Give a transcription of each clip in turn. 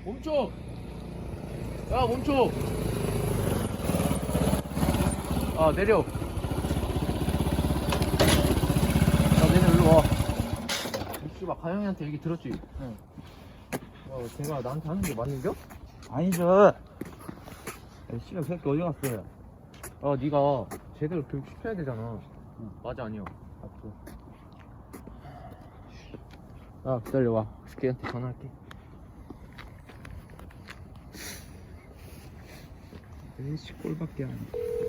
멈춰! 야, 멈춰! 아, 내려. 야, 내려, 일로 와. 씨발, 가영이한테 얘기 들었지? 응. 걔가 나한테 하는 게 맞는겨? 아니죠. 씨발 새끼 어디 갔어요? 네가 제대로 교육 시켜야 되잖아. 응. 맞아, 아니야. 맞죠. 기다려봐. 걔한테 전화할게. 에이씨 꼴밖에 안 해.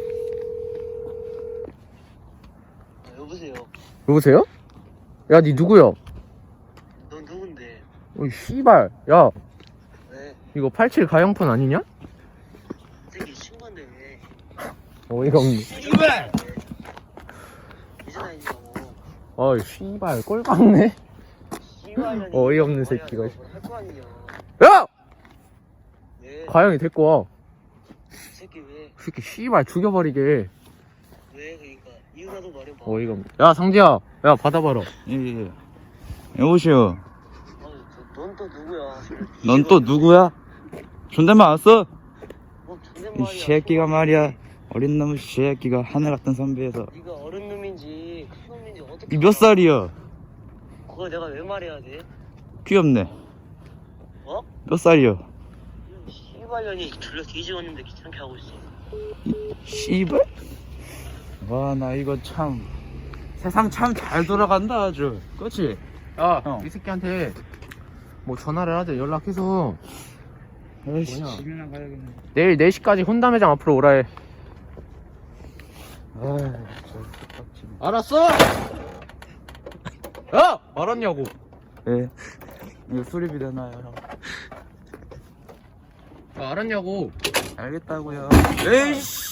여보세요. 여보세요? 야, 니 누구야? 넌 누군데? 어이, 씨발. 야, 왜? 이거 87 가영폰 아니냐? 새끼 친구인데 왜? 어이가 없네. 씨발! 이제 다니냐고. 어이, 씨발. 꼴박네. 씨발년이. 어이없는 새끼가. 할거 아니냐. 야! 왜? 가영이 데리고 와. 새끼 왜? 새끼, 씨발. 죽여버리게. 왜? 그니까 이유라도 말해봐. 어이가 없네. 야, 상지야. 야, 받아봐라. 예. 여보시오. 넌 또 누구야? 넌 또 누구야? 존댓말 안 써? 뭐 이 존댓말이야. 새끼가 말이야. 어린 놈의 새끼가 하늘 같은 선배에서. 네가 어른 놈인지 큰 놈인지 어떻게? 니 몇 살이야? 그걸 내가 왜 말해야 돼? 귀엽네. 어? 몇 살이야? 씨발년이 졸려 뒤집었는데 귀찮게 하고 있어. 씨발? 와, 나 이거 참 세상 참 잘 돌아간다 아주. 그렇지? 야, 형. 이 새끼한테 뭐 전화를 하자. 연락해서 아이씨, 뭐냐? 집이나 가야겠네. 내일 4시까지 혼담회장 앞으로 오라 해. 아, 저 빡치네. 알았어! 야! 알았냐고. 예. 이거 수리비 되나요? 야, 알았냐고. 알겠다고요. 에이씨.